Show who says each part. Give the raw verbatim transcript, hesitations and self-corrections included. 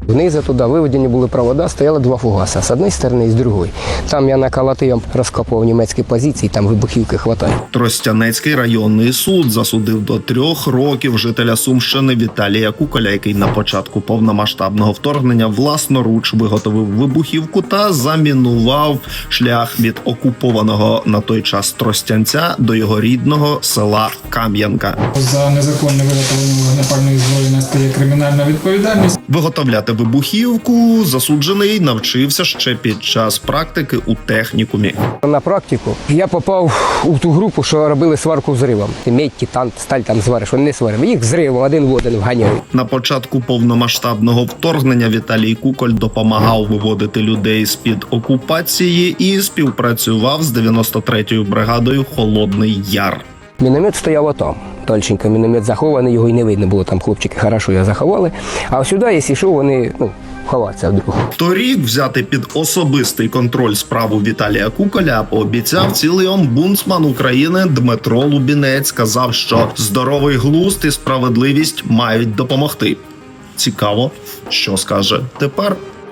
Speaker 1: Внизу туди виведені були провода, стояло два фугаса, з однієї сторони і з другої. Там я наколотив, розкопував німецькі позиції, там вибухівки хватає.
Speaker 2: Тростянецький районний суд засудив до трьох років жителя Сумщини Віталія Куколя, який на початку повномасштабного вторгнення власноруч виготовив вибухівку та замінував шлях від окупованого на той час Тростянця до його рідного села Кам'янка.
Speaker 3: За незаконне виготовлення вогнепальної зброї настає кримінальна відповідальність.
Speaker 2: Виготовляти вибухівку засуджений навчився ще під час практики у технікумі.
Speaker 1: На практику я попав у ту групу, що робили сварку взривом. Медь, титан, сталь там звариш, вони не сваримо. Їх взривом один в один вганяють.
Speaker 2: На початку повномасштабного вторгнення Віталій Куколь допомагав виводити людей з-під окупації і співпрацював з дев'яносто третьою бригадою «Холодний Яр».
Speaker 1: Міномет стояв отам. Тольченко міномет захований, його й не видно було, там хлопчики хорошо його заховали. А сюди, якщо що, вони ну, ховаються вдруг.
Speaker 2: Торік взяти під особистий контроль справу Віталія Куколя пообіцяв цілий омбудсман України Дмитро Лубінець. Сказав, що здоровий глузд і справедливість мають допомогти. Цікаво, що скаже тепер.